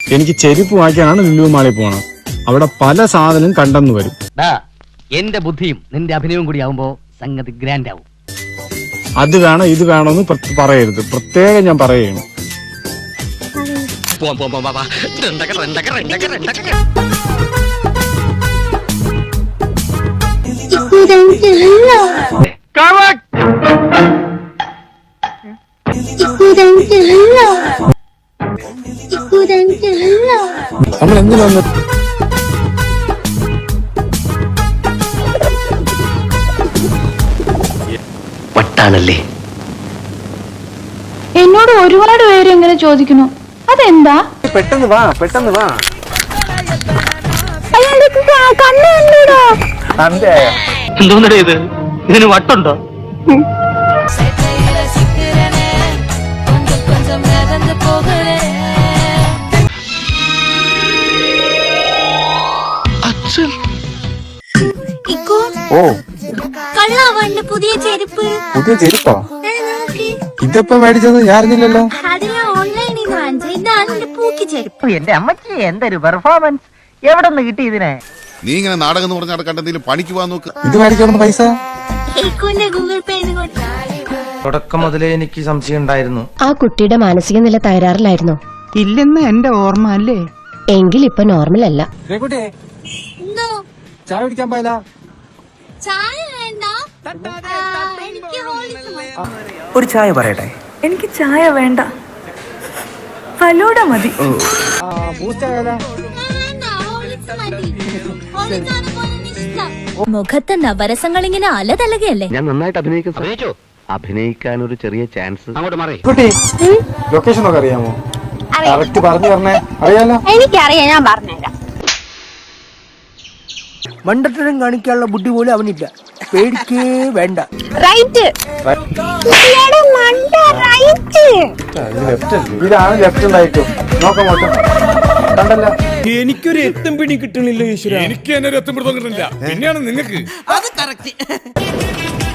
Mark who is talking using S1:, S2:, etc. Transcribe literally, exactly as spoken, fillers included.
S1: എനിക്ക് ചെരുപ്പ് വാങ്ങിക്കാനാണ് ലുലു മാളിൽ പോകണം. അവിടെ പല സാധനം കണ്ടെന്ന് വരും.
S2: എന്റെ ബുദ്ധിയും നിന്റെ അഭിനയവും കൂടി ആവുമ്പോ സംഗതി ഗ്രാൻഡ് ആവും.
S1: അത് വേണം ഇത് വേണമെന്ന് പറയരുത്, പ്രത്യേകം ഞാൻ പറയുകയാണ്. നമ്മൾ എന്തിനു വന്നു?
S2: വട്ടാണല്ലേ.
S3: എന്നോട് ഒരുപാട് പേര് എങ്ങനെ ചോദിക്കുന്നു, അതെന്താ?
S1: പെട്ടെന്ന് വാ, പെട്ടെന്ന് വാ.
S2: എന്തോന്നടേ ഇത്? ഇതിന് വട്ടുണ്ടോ?
S1: ഓ,
S4: കള്ളാവണ്ട് പുതിയ ചെരുപ്പ്.
S1: പുതിയ ചെരുപ്പാ? ഇതിപ്പോ മേടിച്ചത് ഞാൻ അറിഞ്ഞില്ലല്ലോ.
S4: അത് ഞാൻ ഓൺലൈനിൽ നിന്ന് വാങ്ങിച്ചത്. ഇതാണ് എന്റെ പൂക്കി ചെരുപ്പ്.
S2: എന്റെ അമ്മച്ചി എന്തൊരു പെർഫോമൻസ്! എവിടെ നിന്ന് കിട്ടി ഇതിനെ?
S5: നീ ഇങ്ങനെ നാടകം എന്ന് പറഞ്ഞാൽ കണ്ടെന്തെങ്കിലും പണിക്ക് പോകാൻ നോക്ക്.
S1: ഇത് മേടിക്കണം പൈസ
S4: ഗൂഗിൾ പേ.
S6: തുടക്കം മുതലേ എനിക്ക് സംശയം ഉണ്ടായിരുന്നു.
S7: ആ കുട്ടിയുടെ മാനസിക നില തകരാറിലായിരുന്നു.
S8: ഇല്ലെന്ന് എന്റെ ഓർമ്മ അല്ലേ?
S7: എങ്കിൽ ഇപ്പൊ നോർമൽ അല്ല.
S1: ചായ കുടിക്കാൻ പോയതാ.
S4: ചായ വേണ്ട, എനിക്ക് ഹോളിസ് മതി.
S6: ഒരു ചായ പറയട്ടെ?
S9: എനിക്ക് ചായ വേണ്ട, ഫലൂഡ മതി.
S4: മുഖത്തെ നവരസങ്ങൾ ഇങ്ങനെ അലതലകയല്ലേ?
S2: ഞാൻ നന്നായിട്ട് അഭിനയിക്കും. അഭിനയിക്കാൻ ഒരു ചെറിയ ചാൻസ്. അങ്ങോട്ട് മാറി.
S1: ലൊക്കേഷൻ ഒക്കെ അറിയാമോ? കറക്റ്റ് പറഞ്ഞു തരണേ. അറിയാലോ?
S4: എനിക്കറിയാം, ഞാൻ പറഞ്ഞുതരാം.
S8: മണ്ടത്തരം കാണിക്കാനുള്ള ബുദ്ധി പോലും അവനില്ല. പേടിക്കേ വേണ്ട.
S4: റൈറ്റ്.
S1: ഇതാണ് ലെഫ്റ്റ് ഉണ്ടായിട്ടും നോക്കാം നോക്കാം. കണ്ടല്ല,
S6: എനിക്കൊരു എത്തും പിടി കിട്ടണില്ല ഈശ്വര.
S5: എനിക്ക് തന്നെ ഒരു എത്തും പിടുത്തം കിട്ടുന്നില്ല. പിന്നെയാണ് നിങ്ങൾക്ക്
S8: അത് കറക്റ്റ്.